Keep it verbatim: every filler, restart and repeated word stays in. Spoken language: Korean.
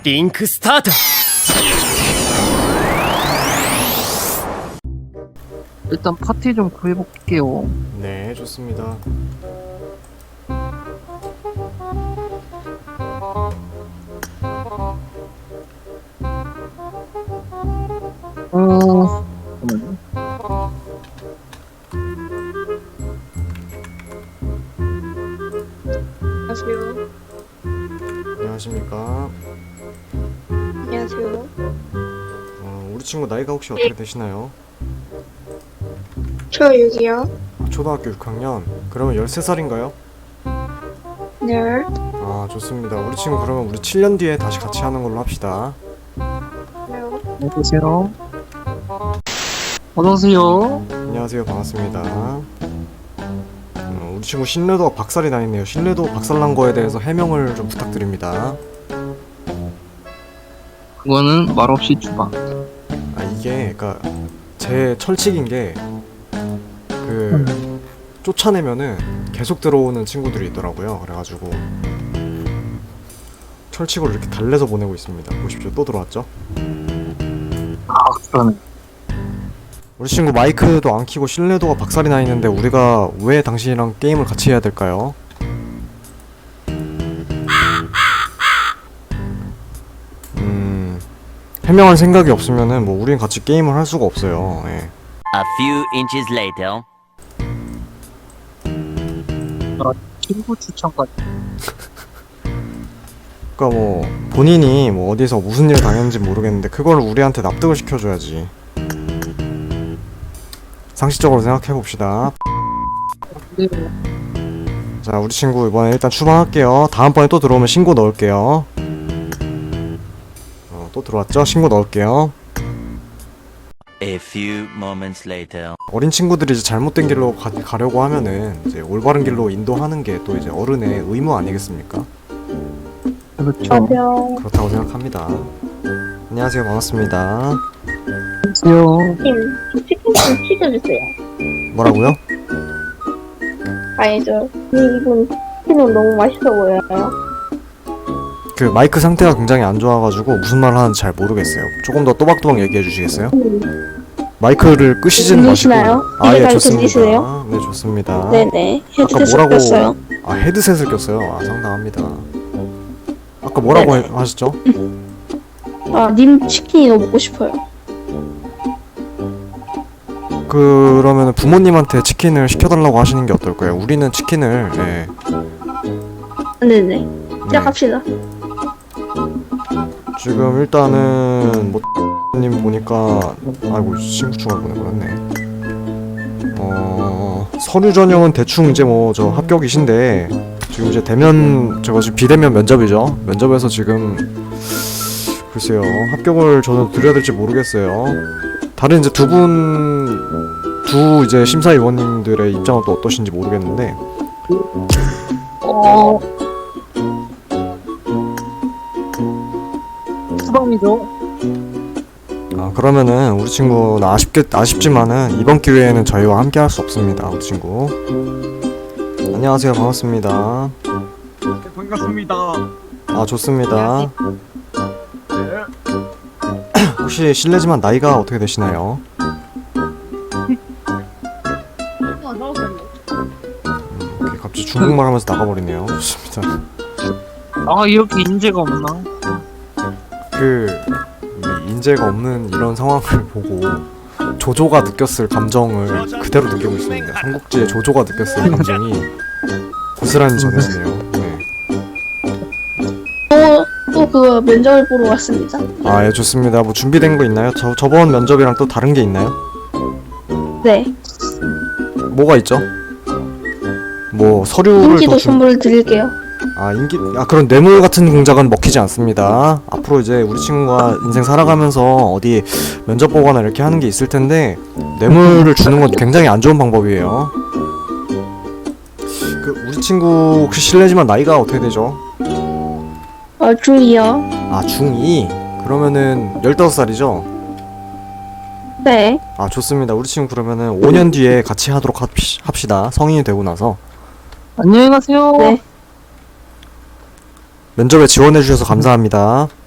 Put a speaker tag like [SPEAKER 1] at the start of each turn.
[SPEAKER 1] リンクスタート。
[SPEAKER 2] 일단 파티 좀 구해볼게요.
[SPEAKER 3] 네, 좋습니다.
[SPEAKER 2] 어... 잠깐만요.
[SPEAKER 4] 안녕하세요.
[SPEAKER 3] 안녕하십니까.
[SPEAKER 4] 안녕하세요.
[SPEAKER 3] 어, 우리 친구 나이가 혹시 어떻게 되시나요?
[SPEAKER 4] 저 여기요.
[SPEAKER 3] 초등학교 육 학년. 그러면 열세 살인가요?
[SPEAKER 4] 네.
[SPEAKER 3] 아, 좋습니다. 우리 친구 그러면 우리 칠 년 뒤에 다시 같이 하는 걸로 합시다.
[SPEAKER 4] 네.
[SPEAKER 2] 안녕하세요. 어서오세요.
[SPEAKER 3] 안녕하세요. 반갑습니다. 음, 우리 친구 신뢰도가 박살이 나 있네요. 신뢰도 박살난 거에 대해서 해명을 좀 부탁드립니다.
[SPEAKER 2] 그거는 말없이 주방.
[SPEAKER 3] 아, 이게 그니까 제 철칙인 게 그 쫓아내면은 계속 들어오는 친구들이 있더라고요. 그래가지고 철칙으로 이렇게 달래서 보내고 있습니다. 보십시오. 또 들어왔죠?
[SPEAKER 2] 아, 그러네.
[SPEAKER 3] 우리 친구 마이크도 안 켜고 신뢰도가 박살이 나 있는데 우리가 왜 당신이랑 게임을 같이 해야 될까요? 음... 해명할 생각이 없으면은 뭐 우린 같이 게임을 할 수가 없어요. 예.
[SPEAKER 1] A few inches later.
[SPEAKER 2] 아, 친구 추천까지.
[SPEAKER 3] 그니까 뭐 본인이 뭐 어디서 무슨 일 당했는지 모르겠는데 그걸 우리한테 납득을 시켜줘야지. 상식적으로 생각해봅시다.
[SPEAKER 2] 네.
[SPEAKER 3] 자, 우리 친구 이번에 일단 추방할게요. 다음번에 또 들어오면 신고 넣을게요. 어, 또 들어왔죠? 신고 넣을게요.
[SPEAKER 1] A few moments later.
[SPEAKER 3] 어린 친구들이 이제 잘못된 길로 가, 가려고 하면은 이제 올바른 길로 인도하는 게 또 이제 어른의 의무 아니겠습니까?
[SPEAKER 2] 그렇죠.
[SPEAKER 4] 안녕.
[SPEAKER 3] 그렇다고 생각합니다. 안녕하세요. 반갑습니다.
[SPEAKER 2] 안녕하세요.
[SPEAKER 4] 팀, 저 치킨 좀 튀겨주세요.
[SPEAKER 3] 뭐라고요?
[SPEAKER 4] 아니죠. 이분 치킨은 너무 맛있어 보여요.
[SPEAKER 3] 그 마이크 상태가 굉장히 안 좋아가지고 무슨 말을 하는지 잘 모르겠어요. 조금 더 또박또박 얘기해 주시겠어요? 마이크를 끄시진 마시고.
[SPEAKER 4] 들리시나요?
[SPEAKER 3] 아, 예,
[SPEAKER 4] 이해가
[SPEAKER 3] 좋습니다.
[SPEAKER 4] 들리시네요?
[SPEAKER 3] 네, 좋습니다.
[SPEAKER 4] 네네.
[SPEAKER 3] 아까
[SPEAKER 4] 헤드셋
[SPEAKER 3] 뭐라고?
[SPEAKER 4] 꼈어요.
[SPEAKER 3] 아, 헤드셋을 꼈어요. 아, 상당합니다. 아까 뭐라고
[SPEAKER 4] 네네.
[SPEAKER 3] 해- 하셨죠?
[SPEAKER 4] 아, 님 치킨이 너무 먹고 싶어요.
[SPEAKER 3] 그러면 부모님한테 치킨을 시켜달라고 하시는 게 어떨까요? 우리는 치킨을 예,
[SPEAKER 4] 네네.
[SPEAKER 3] 네.
[SPEAKER 4] 시작합시다.
[SPEAKER 3] 지금 일단은 뭐 님 보니까 아이고 친구 추가를 보내버렸네. 어 서류 전형은 대충 이제 뭐 저 합격이신데 지금 이제 대면 저거 지금 비대면 면접이죠. 면접에서 지금 글쎄요 합격을 저는 드려야 될지 모르겠어요. 다른 이제 두 분 두 이제 심사위원님들의 입장은 또 어떠신지 모르겠는데
[SPEAKER 2] 어... 수방이죠.
[SPEAKER 3] 아 그러면은 우리 친구는 아쉽게 아쉽지만은 이번 기회에는 저희와 함께 할 수 없습니다. 우리 친구. 안녕하세요. 반갑습니다.
[SPEAKER 5] 네, 반갑습니다.
[SPEAKER 3] 아 좋습니다.
[SPEAKER 5] 네.
[SPEAKER 3] 혹시 실례지만 나이가 어떻게 되시나요? 음, 오케이, 갑자기 중국말 하면서 나가버리네요. 좋습니다.
[SPEAKER 2] 아, 이렇게 인재가 없나?
[SPEAKER 3] 그 이 인재가 없는 이런 상황을 보고 조조가 느꼈을 감정을 그대로 느끼고 있습니다. 삼국지의 조조가 느꼈을 감정이 고스란히 전해지네요. 네.
[SPEAKER 4] 또, 또 그 면접을 보러 왔습니다.
[SPEAKER 3] 아, 예, 좋습니다. 뭐 준비된 거 있나요? 저 저번 면접이랑 또 다른 게 있나요?
[SPEAKER 4] 네.
[SPEAKER 3] 뭐가 있죠? 뭐 서류를
[SPEAKER 4] 인기도
[SPEAKER 3] 더 준...
[SPEAKER 4] 선물을 드릴게요.
[SPEAKER 3] 아 인기 아 그런 뇌물 같은 공작은 먹히지 않습니다. 앞으로 이제 우리 친구가 인생 살아가면서 어디 면접 보거나 이렇게 하는 게 있을 텐데 뇌물을 주는 건 굉장히 안 좋은 방법이에요. 그 우리 친구 혹시 실례지만 나이가 어떻게 되죠?
[SPEAKER 4] 어, 중이요.
[SPEAKER 3] 아 중이 그러면은 열다섯 살이죠?
[SPEAKER 4] 네.
[SPEAKER 3] 아 좋습니다. 우리 친구 그러면은 오 년 뒤에 같이 하도록 합시, 합시다. 성인이 되고 나서.
[SPEAKER 2] 안녕히 가세요.
[SPEAKER 4] 네.
[SPEAKER 3] 면접에 지원해주셔서 감사합니다.